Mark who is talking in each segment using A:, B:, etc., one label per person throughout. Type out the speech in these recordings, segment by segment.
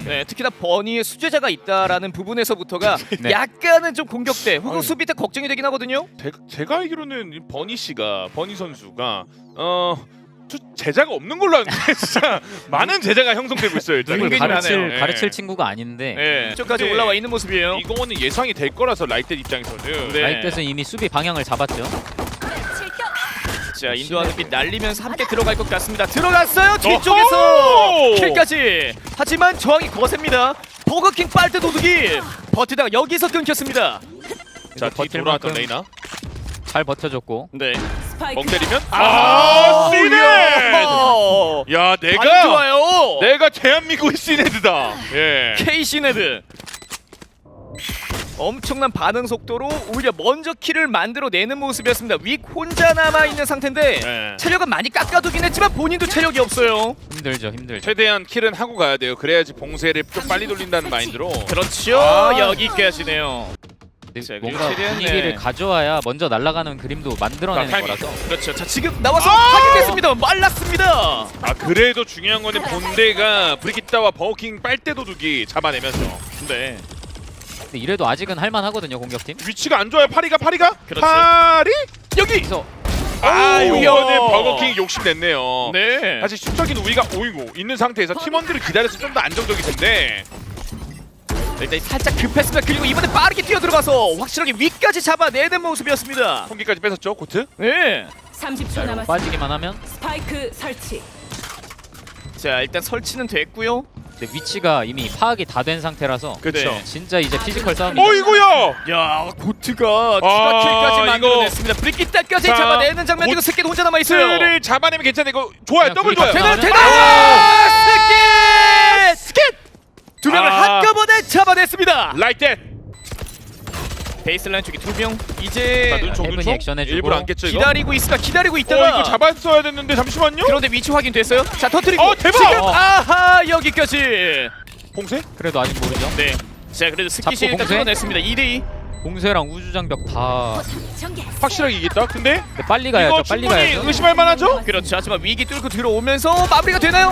A: 네, 특히나 버니의 수제자가 있다라는 부분에서부터가
B: 네.
A: 약간은 좀 공격대 혹은
C: 아니.
A: 수비 때 걱정이 되긴 하거든요.
C: 제가 알기로는 이 버니 선수가 제자가 없는 걸로 아는데 진짜 많은 제자가 형성되고 있어요. 일단
A: 누굴 하네요.
B: 가르칠 친구가 아닌데
A: 네, 이쪽까지
C: 근데
A: 올라와 있는 모습이에요.
C: 이거는 예상이 될 거라서 라이트 입장에서는
A: 네.
B: 라이트에서 이미 수비 방향을 잡았죠.
A: 자, 인도하는 빛 날리면서 함께 들어갈 것 같습니다. 들어갔어요. 뒤쪽에서
C: 어허!
A: 킬까지. 하지만 저항이 거셉니다. 버거킹 빨대 도둑이 버티다가 여기서 끊겼습니다.
C: 자, 뒤 돌아왔던 레이나
B: 잘 버텨줬고.
A: 네.
C: 멍 때리면
A: 아,
C: 시네! 야,
A: 안
C: 내가
A: 좋아요.
C: 대한민국의 시네드다. 예.
A: KC 네드. 엄청난 반응 속도로 오히려 먼저 킬을 만들어내는 모습이었습니다. 윅 혼자 남아있는 상태인데
C: 네.
A: 체력은 많이 깎아두긴 했지만 본인도 체력이 없어요.
B: 힘들죠.
C: 최대한 킬은 하고 가야 돼요. 그래야지 봉쇄를 좀 빨리 돌린다는 마인드로.
A: 그렇죠.
C: 아.
A: 여기까지네요.
B: 근데
A: 자,
B: 뭔가
A: 최대한,
B: 분위기를
A: 네.
B: 가져와야 먼저 날아가는 그림도 만들어내는
C: 자, 타이밍.
B: 거라서.
A: 그렇죠. 자, 지금 나와서 확인됐습니다. 말랐습니다.
C: 아, 그래도 중요한 거는 본대가 브리기타와 버거킹 빨대 도둑이 잡아내면서.
A: 네.
B: 근데 이래도 아직은 할만하거든요, 공격팀.
C: 위치가 안 좋아요. 파리가
A: 그렇지.
C: 파리?
A: 여기.
B: 그래서
C: 아,
A: 오우야.
C: 이거는 버거킹이 욕심냈네요.
A: 네.
C: 사실 수적인 우위가 오이고 있는 상태에서 팀원들을 기다려서 좀 더 안정적일 텐데.
A: 일단 살짝 급했습니다. 그리고 이번에 빠르게 뛰어 들어가서 확실하게 위까지 잡아내는 모습이었습니다.
C: 통기까지 뺏었죠, 코트?
A: 네.
D: 30초 남았습니다.
B: 빠지기만 하면.
D: 스파이크 설치.
A: 자, 일단 설치는 됐고요.
B: 근데 위치가 이미 파악이 다 된 상태라서.
C: 그렇죠.
A: 네.
B: 진짜 이제 피지컬 싸움이.
C: 어이구야!
A: 야, 고트가 추가 킬까지
C: 이거-
A: 만들어냈습니다. 브리키타까지
C: 자,
A: 잡아내는 장면. 이거 스킷 혼자 남아 있어요.
C: 스를 잡아내면 괜찮아. 이거 좋아요.
B: 그냥
C: 더블
B: 둘이
C: 좋아요.
B: 같이
A: 대단
B: 나오면-
A: 대단 스킷! 두 명을
C: 아.
A: 한꺼번에 잡아냈습니다.
C: 라이트.
A: 베이스라인 쪽에 두 명. 이제
C: 자, 눈총
B: 헤븐이
C: 눈총.
B: 액션 해주고.
C: 일부러 안 깼죠, 이거?
A: 기다리고 있으다. 기다리고
C: 이거
A: 있다가
C: 잡았어야 됐는데 잠시만요.
A: 그런데 위치 확인됐어요. 자, 터뜨리고
C: 대박!
A: 지금 아하 여기까지.
C: 봉쇄?
B: 그래도 아직 모르죠.
A: 네. 자, 그래도 스킷이
B: 잡고
A: 일단
B: 봉쇄?
A: 끊어냈습니다. 2대2.
B: 공세랑 우주장벽 다.
C: 확실하게 이겼다. 근데
B: 근데 빨리 가야죠.
C: 이거
B: 빨리
C: 충분히
B: 가야죠.
C: 의심할 만하죠?
A: 그렇죠. 하지만 위기 뚫고 들어오면서 마무리가 되나요?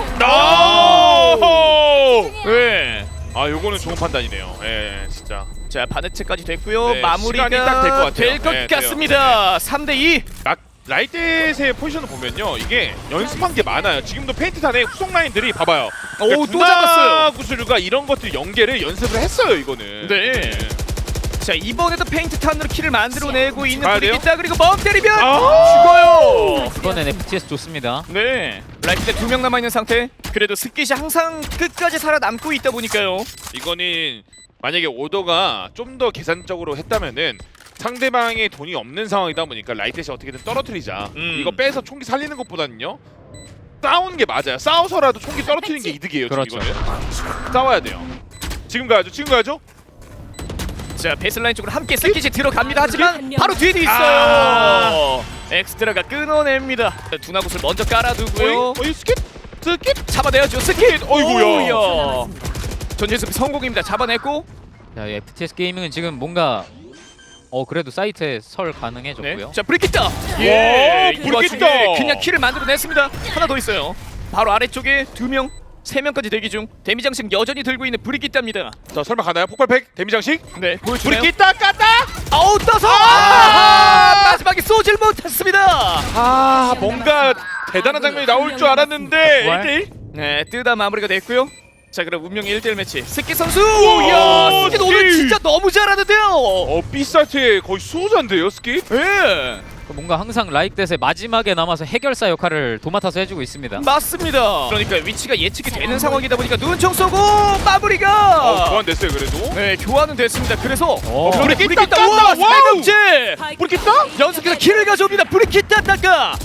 C: 오!
A: 네.
C: 아, 요거는 좋은 판단이네요. 예, 진짜.
A: 자, 바네츠까지 됐고요.
C: 네,
A: 마무리가
C: 시간이 딱될것 같아요.
A: 될 것
C: 네, 돼요.
A: 같습니다. 3대2.
C: 라이트의 포지션을 보면요, 이게 연습한 게 많아요. 지금도 페인트탄의 후속 라인들이 봐봐요.
A: 오, 또 잡았어요.
C: 구슬과 이런 것들 연계를 연습을 했어요, 이거는.
A: 네. 자, 이번에도 페인트 탄으로 킬을 만들어내고 있는
C: 가야 돼요?
A: 브리기타. 그리고 멍 때리면
C: 아!
A: 죽어요.
B: 이번엔 FTS 좋습니다.
A: 네. 라이트 때 2명 남아있는 상태. 그래도 스킷이 항상 끝까지 살아남고 있다 보니까요.
C: 이거는 만약에 오더가 좀 더 계산적으로 했다면은 상대방의 돈이 없는 상황이다 보니까 라이트시 어떻게든 떨어뜨리자. 이거 빼서 총기 살리는 것보다는요, 싸우는 게 맞아요. 싸워서라도 총기 떨어뜨리는 게 이득이에요.
B: 그렇죠.
C: 지금 이거는 싸워야 돼요. 지금 가야죠. 지금 가야죠.
A: 자, 베이스라인 쪽으로 함께 스킷이 들어갑니다. 하지만 바로 뒤에도 있어요.
C: 아.
A: 엑스트라가 끊어냅니다. 두나굿을 먼저 깔아두고요.
C: 어이 스킵? 스킵?
A: 잡아내야죠. 스킷.
C: 어이구야.
A: 오우야. 전진 수비 성공입니다. 잡아냈고.
B: 자, 이 FTS 게이밍은 지금 뭔가 그래도 사이트에 설 가능해졌고요.
A: 자, 브리키타.
C: 와,
A: 이
C: 브리키타.
A: 와중에 그냥 킬을 만들어냈습니다. 하나 더 있어요. 바로 아래쪽에 2명, 3명까지 대기 중. 데미 장식 여전히 들고 있는 브리키타입니다.
C: 자, 설마 가나요? 폭발팩 데미 장식?
A: 네, 보여주나요?
C: 브리키타 깠다!
A: 아우, 떠서 마지막에 쏘질 못했습니다.
C: 아, 뭔가 대단한 장면이 나올 줄 알았는데
B: 부활?
C: 1대1?
A: 네, 뜨다 마무리가 됐고요. 자, 그럼 운명의 1대1 매치. 스키 선수!
C: 오,
A: 야, 스키 오늘
C: 스키!
A: 진짜 너무 잘하는데요.
C: B사트의 거의 수호자인데요, 스킵?
A: 예,
B: 뭔가 항상 라이크댓의 마지막에 남아서 해결사 역할을 도맡아서 해주고 있습니다.
A: 맞습니다. 그러니까 위치가 예측이 되는 상황이다 보니까 눈총 쏘고 마무리가.
C: 교환됐어요, 그래도.
A: 네, 교환은 됐습니다. 그래서
C: 브리키타
A: 브리키타
C: 깠다!
A: 우와,
C: 와우!
A: 3명째
C: 브리키타?
A: 연속해서 킬을 가져옵니다. 브리키타 닦아.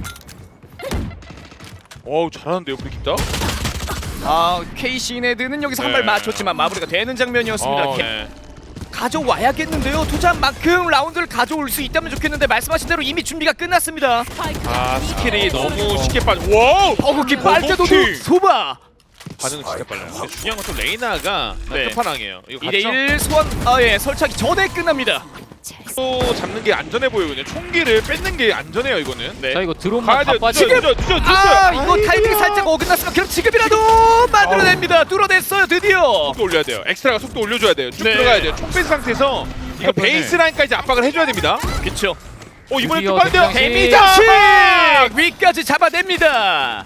C: 어우, 잘하는데요, 브리키타?
A: 아, KC 네드는 여기서 한 발
C: 네.
A: 맞췄지만 마무리가 되는 장면이었습니다.
C: 네.
A: 가져와야겠는데요. 투자만큼 라운드를 가져올 수 있다면 좋겠는데 말씀하신 대로 이미 준비가 끝났습니다.
C: 아, 스킬이 너무 쉽게 빠져. 와우!
A: 버거키 빨대도둑
C: 버거키!
A: 소바.
C: 반응은 진짜 빨라요. 근데 중요한 건 또 레이나가
A: 네.
C: 끝판왕이에요. 이거
A: 2대1 소환 설치하기 전에 끝납니다.
C: 또 잡는 게 안전해 보이거든요. 총기를 뺏는 게 안전해요 이거는.
A: 네.
B: 자 이거
C: 가야
B: 드론만 다
C: 돼요.
B: 빠지고
C: 늦었어요.
A: 아 이거 타이밍이 살짝 어긋났으면 그럼 지금이라도 만들어냅니다. 뚫어냈어요 드디어.
C: 속도 올려야 돼요. 엑스트라가 속도 올려줘야 돼요. 쭉
A: 네.
C: 들어가야 돼요. 총 뺀 상태에서 이거
B: 해보네.
C: 베이스 라인까지 압박을 해줘야 됩니다.
A: 그쵸.
C: 이번에
B: 드디어
C: 또 빠른데요.
B: 대장식.
A: 데미장식 위까지 잡아냅니다.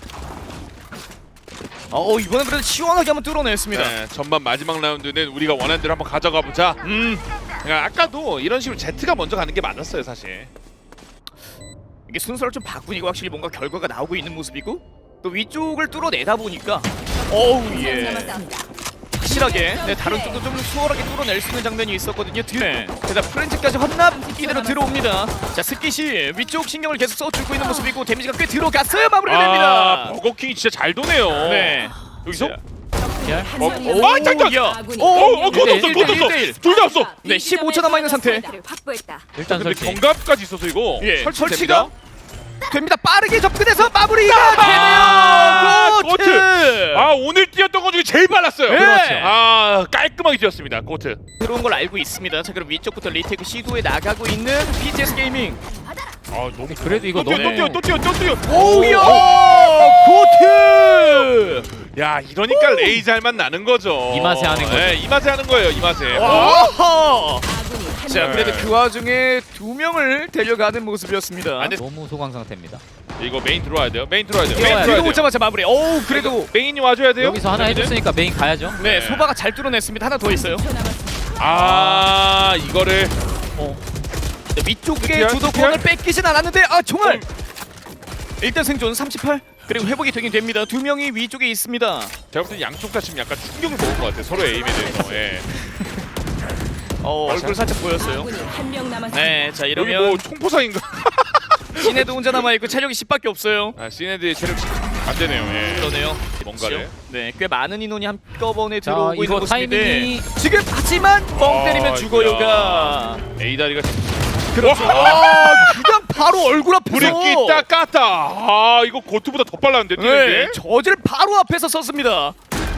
A: 이번엔 그래도 시원하게 한번 뚫어냈습니다.
C: 네, 전반 마지막 라운드는 우리가 원하는 대로 한번 가져가 보자. 그러니까 아까도 이런 식으로 Z가 먼저 가는 게 맞았어요 사실.
A: 이게 순서를 좀 바꾸니까 확실히 뭔가 결과가 나오고 있는 모습이고 또 위쪽을 뚫어내다 보니까 예. 확실하게 다른 쪽도 좀 수월하게 뚫어낼 수 있는 장면이 있었거든요. 게다가 프렌즈까지 헌납 이대로 들어옵니다. 자 스킷이 위쪽 신경을 계속 써주고 있는 모습이고 데미지가 꽤 들어갔어요. 마무리가 됩니다.
C: 버거킹이 진짜 잘 도네요.
A: 네.
C: 여기서
D: 잠깐.
A: 야.
C: 그것도 없어. 그것도 없어.
A: 1대1.
C: 둘 다 없어.
A: 네 15초 남아있는 상태.
D: 확보했다.
B: 일단
C: 근데
B: 설치.
C: 경갑까지 있어서 이거
A: 예,
C: 설치가
A: 설치가 됩니다. 빠르게 접근해서 마무리가
C: 아,
A: 되네요. 고트.
C: 오늘 뛰었던 것 중에 제일 빨랐어요.
A: 네.
C: 그렇죠. 깔끔하게 뛰었습니다. 고트.
A: 들어온 걸 알고 있습니다. 자 그럼 위쪽부터 리테이크 시도에 나가고 있는 BTS 게이밍.
C: 너무
B: 그래도 이거
C: 또 뛰어,
B: 너무
C: 또 뛰어.
A: 오우야 고트.
C: 야 이러니까 레이저 할만 나는 거죠.
B: 이 맛에 하는 거죠.
C: 네, 이 맛에 하는 거예요. 이 맛에.
A: 와하.
D: 아군이 한
A: 자
D: 명.
A: 그래도 그 와중에 2명을 데려가는 모습이었습니다.
C: 안 돼.
B: 너무 소강 상태입니다.
C: 이거 메인 들어와야 돼요. 메인 들어와야 돼요.
B: 뛰어야
C: 메인
B: 돼요.
C: 들어와야
A: 뒤로
C: 돼요.
A: 오자마자 마무리. 그래도
C: 메인이 와줘야 돼요.
B: 여기서 하나 해줬으니까 메인 가야죠.
A: 네
C: 네.
A: 소바가 잘 뚫어냈습니다. 하나 더 있어요.
D: 10초 남았습니다.
C: 이거를
A: 네, 위쪽에
C: TPR?
A: 주도권을 뺏기진 않았는데 총알. 일단 생존 38 그리고 회복이 되긴 됩니다. 2명이 위쪽에 있습니다.
C: 제가 볼 때 양쪽 다 지금 약간 충격을 먹은 것 같아요. 서로 에임에 대해서. 예.
A: 얼굴 살짝 보였어요.
D: 아군이 한 명 남았습니다.
A: 네, 자
C: 여기
A: 이러면
C: 뭐 총포상인가?
A: 시내도 혼자 남아 있고 체력이 10밖에 없어요.
C: 시네드의 체력 안 되네요. 예.
A: 그러네요.
C: 뭔가를.
A: 네, 꽤 많은 인원이 한꺼번에
B: 자
A: 들어오고 있는
B: 이거
A: 모습인데
B: 타이밍이
A: 지금 하지만 뻥 때리면
C: 아,
A: 죽어요가.
C: A 다리가
A: 그렇죠. 그냥 바로 얼굴 앞에서
C: 브리키 딱 깠다. 이거 고트보다 더 빨랐는데 뛰는
A: 네,
C: 게.
A: 저질 바로 앞에서 썼습니다.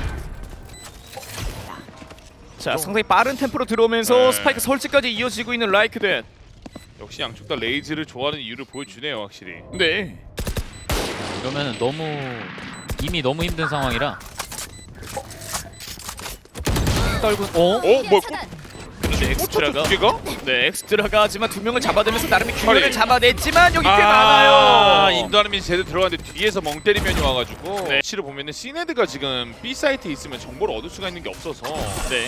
A: 자, 상당히 빠른 템포로 들어오면서
C: 네.
A: 스파이크 설치까지 이어지고 있는 라이크댓.
C: 역시 양쪽 다 레이즈를 좋아하는 이유를 보여주네요, 확실히.
A: 네.
B: 이러면 이미 너무 힘든 상황이라. 떨군.
C: 뭐
A: 그런데 엑스트라가
C: 두 개가?
A: 네, 엑스트라가 하지만 2명을 잡아내면서 나름의 균형을
C: 아니.
A: 잡아냈지만 여기 꽤 많아요.
C: 인도하는 제대로 들어갔는데 뒤에서 멍 때리면이 와가지고
A: 네.
C: 치를 보면은 시네드가 지금 B 사이트에 있으면 정보를 얻을 수가 있는 게 없어서.
A: 네.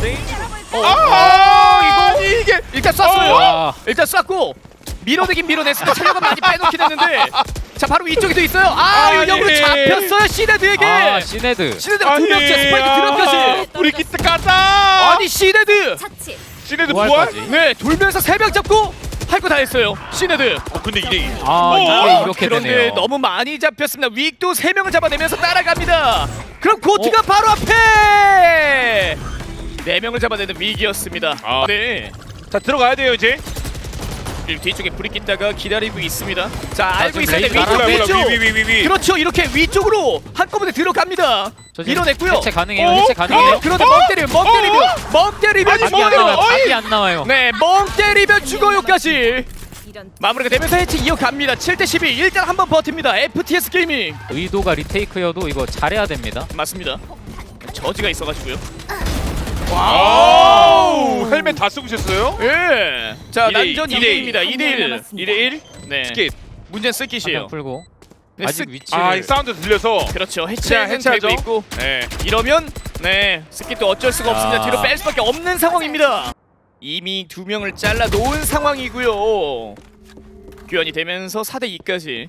C: 이거 이게
A: 일단 쐈어요.
B: 아.
A: 일단 쐈고 밀어내긴 밀어냈습니다. 체력은 많이 빼놓긴 했는데 자 바로 위쪽에도 있어요. 역으로
C: 예.
A: 잡혔어요 시네드에게.
B: 시네드.
A: 시네드가 두 명째 스파이크 드랍까지.
C: 브리키트 깠다.
A: 아니 시네드.
D: 차치.
C: 시네드 부활?
B: 부활까지.
A: 네 돌면서 3명 잡고 할 거 다 했어요. 시네드.
C: 근데 이게
B: 이게 이렇게
A: 그런데
B: 되네요.
A: 너무 많이 잡혔습니다. 윅도 3명을 잡아내면서 따라갑니다. 그럼 고트가 바로 앞에 4명을 잡아내는 윅이었습니다. 네.
C: 자 들어가야 돼요 이제.
A: 그리고 뒤쪽에 불이 낀다가 기다리고 있습니다. 자 알고
B: 지금
A: 있을 때
B: 레이저
A: 위쪽
B: 날아가고
A: 위쪽.
C: 위.
A: 그렇죠. 이렇게 위쪽으로 한꺼번에 들어갑니다.
B: 저 지금
A: 밀어냈고요.
B: 해체 가능해요. 해체 가능해요.
A: 그런데 멍 때리면
B: 각이 안 나와요. 각이 안 나와요.
A: 네, 멍 때리면 죽어요까지
D: 이런
A: 마무리가 되면서 해체 이어갑니다. 7대12 일단 한번 버팁니다. FTS 게이밍
B: 의도가 리테이크여도 이거 잘해야 됩니다.
A: 맞습니다. 저지가 있어가지고요.
C: 와우 헬멧 다 쓰고 오셨어요?
A: 예. 자
C: 2대2,
A: 난전 2대1입니다. 2대1.
C: 2대1
A: 네.
C: 스킷.
A: 문제는
B: 한명
A: 스킷이에요.
B: 풀고
A: 네,
B: 아직
A: 스-
B: 위치를
C: 이 사운드 들려서
A: 그렇죠.
C: 그냥
A: 해체는
C: 해체하죠.
A: 되고 있고
C: 네.
A: 이러면 네 스킷도 어쩔 수가
B: 야.
A: 없습니다. 뒤로 뺄 수밖에 없는 상황입니다. 이미 2명을 잘라 놓은 상황이고요. 교환이 되면서 4대2까지.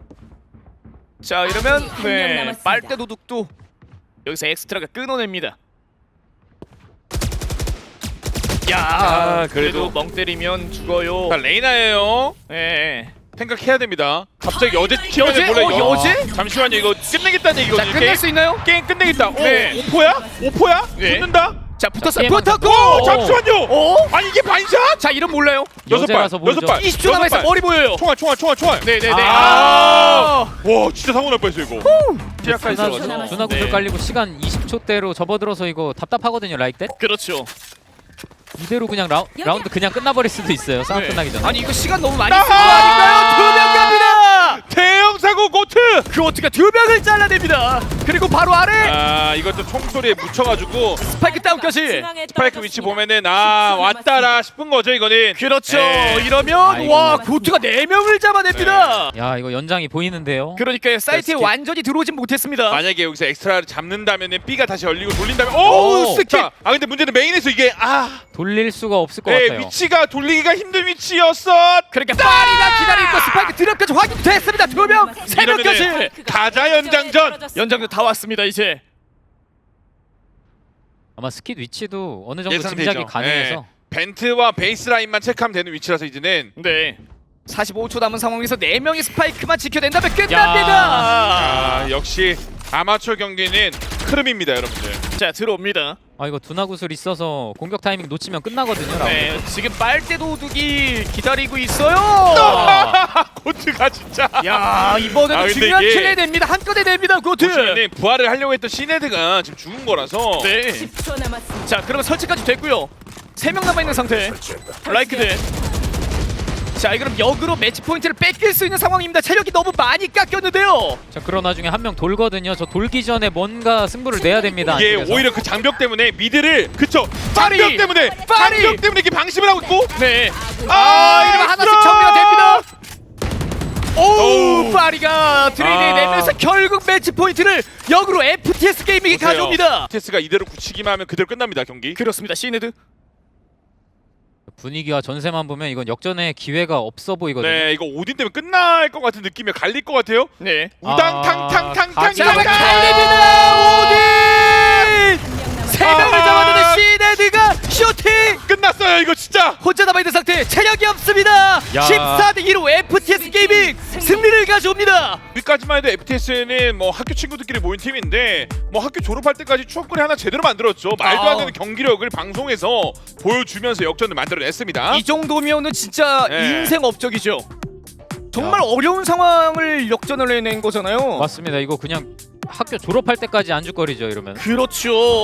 A: 자 이러면
D: 한명
A: 네
D: 남았습니다.
A: 빨대 도둑도 여기서 엑스트라가 끊어냅니다. 야 그래도
C: 그래도.
A: 멍 때리면 죽어요.
C: 자 레이나예요.
A: 예.
C: 생각해야 됩니다. 갑자기 여제
A: 여제? 여제?
C: 잠시만요. 이거 끝내겠다는
A: 자
C: 얘기거든요.
A: 끝낼 수 있나요?
C: 게임 끝내겠다.
A: 네.
C: 오포야? 오포야?
A: 네.
C: 붙는다?
A: 자 붙었어요.
B: 게임
A: 붙었고.
C: 오 잠시만요.
A: 어?
C: 아니 이게 반샷?
A: 자 이름 몰라요.
C: 여섯 발.
B: 여제라서 모르죠.
C: 6발.
A: 20초 남아있어. 머리 보여요.
C: 총알.
A: 네네네.
C: 와 진짜 사고 날 뻔했어 이거. 시작까지
D: 준하-
C: 들어가서.
D: 남았습니다.
B: 준하 구슬
A: 네.
B: 깔리고 시간 20초대로 접어들어서 이거 답답하거든요. 라이크 때.
A: 그렇죠.
B: 이대로 그냥 라운드 그냥 끝나버릴 수도 있어요. 싸움
A: 네.
B: 끝나기 전에.
A: 아니 이거 시간 너무 많이 쓴 거 아닌가요? 2명 갑니다.
C: 대형 사고 고트.
A: 그워트가 2명을 잘라냅니다. 그리고 바로 아래
C: 아 이것도 총소리에 묻혀가지고
A: 스파이크 다운까지.
C: 스파이크 위치 보면은 아 왔다라 싶은 거죠 이거는.
A: 그렇죠.
C: 네.
A: 이러면
B: 아이고.
A: 와 고트가 4명을 잡아냅니다.
B: 야 이거 연장이 보이는데요.
A: 그러니까 사이트에
C: 스킵.
A: 완전히 들어오진 못했습니다.
C: 만약에 여기서 엑스트라를 잡는다면은 B가 다시 열리고 돌린다면
A: 오, 스킵.
C: 자, 아 근데 문제는 메인에서 이게
B: 돌릴 수가 없을 것
C: 네,
B: 같아요.
C: 위치가 돌리기가 힘든 위치였어.
A: 그러니까 파리가 기다리고 스파이크 드랍까지 확인됐습니다. 2명, 3명까지.
C: 이러면은 가자 연장전.
A: 연장도 다 왔습니다 이제.
B: 아마 스킷 위치도 어느 정도
C: 예상되죠.
B: 짐작이 가능해서.
C: 네. 벤트와 베이스 라인만 체크하면 되는 위치라서 이제는
A: 네. 45초 남은 상황에서 4명의 스파이크만 지켜낸다면 끝납니다.
C: 아, 역시 아마추어 경기는 흐름입니다, 여러분들.
A: 자 들어옵니다.
B: 아 이거 두나구슬 있어서 공격 타이밍 놓치면 끝나거든요. 라운드.
A: 네, 지금 빨대 도둑이 기다리고 있어요.
C: 고트가 진짜.
A: 야 이번에도
C: 아, 근데
A: 중요한
C: 이게-
A: 킬을 냅니다. 한 건에 냅니다. 고트.
C: 보시면은 부활을 하려고 했던 시네드가 지금 죽은 거라서.
A: 네.
D: 10초 남았습니다.
A: 자 그러면 설치까지 됐고요. 3명 남아 있는 상태. 라이크드. 자 그럼 역으로 매치 포인트를 뺏길 수 있는 상황입니다. 체력이 너무 많이 깎였는데요.
B: 자 그러나 중에 한 명 돌거든요. 저 돌기 전에 뭔가 승부를 내야 됩니다.
C: 이게
B: 안쪽에서.
C: 오히려 그 장벽 때문에 미드를 그쵸
A: 파리!
C: 장벽 때문에
A: 파리!
C: 장벽 때문에 이렇게 방심을 하고 있고
A: 네.
C: 아,
A: 이러면 하나씩
C: 있어!
A: 정리가 됩니다. 오,
C: 오우.
A: 파리가 트레이드
C: 아.
A: 내면서 결국 매치 포인트를 역으로 FTS 게이밍이 가져옵니다.
C: 테스가 이대로 굳히기만 하면 그대로 끝납니다 경기.
A: 그렇습니다. 시네드.
B: 분위기와 전세만 보면 이건 역전의 기회가 없어 보이거든요.
C: 네 이거 오딘 때문에 끝날 것 같은 느낌이 갈릴 것 같아요.
A: 네.
C: 우당탕탕탕탕.
A: 자, 갈립니다. 오딘. 3명을 잡았는데 시네드가 슈팅.
C: 끝났어요 이거 진짜.
A: 혼자 남아있는 상태. 체력이 없습니다. 14대 2로 FTS 게이밍 승리를 가져옵니다.
C: 여기까지만 해도 FTS는 뭐 학교 친구들끼리 모인 팀인데 뭐 학교 졸업할 때까지 추억거리 하나 제대로 만들었죠. 말도 안 되는 경기력을 방송에서 보여주면서 역전을 만들어냈습니다.
A: 이 정도면은 진짜
C: 네.
A: 인생 업적이죠. 정말 어려운 상황을 역전을 해낸 거잖아요.
B: 맞습니다. 이거 그냥 학교 졸업할 때까지 안주거리죠 이러면.
A: 그렇죠.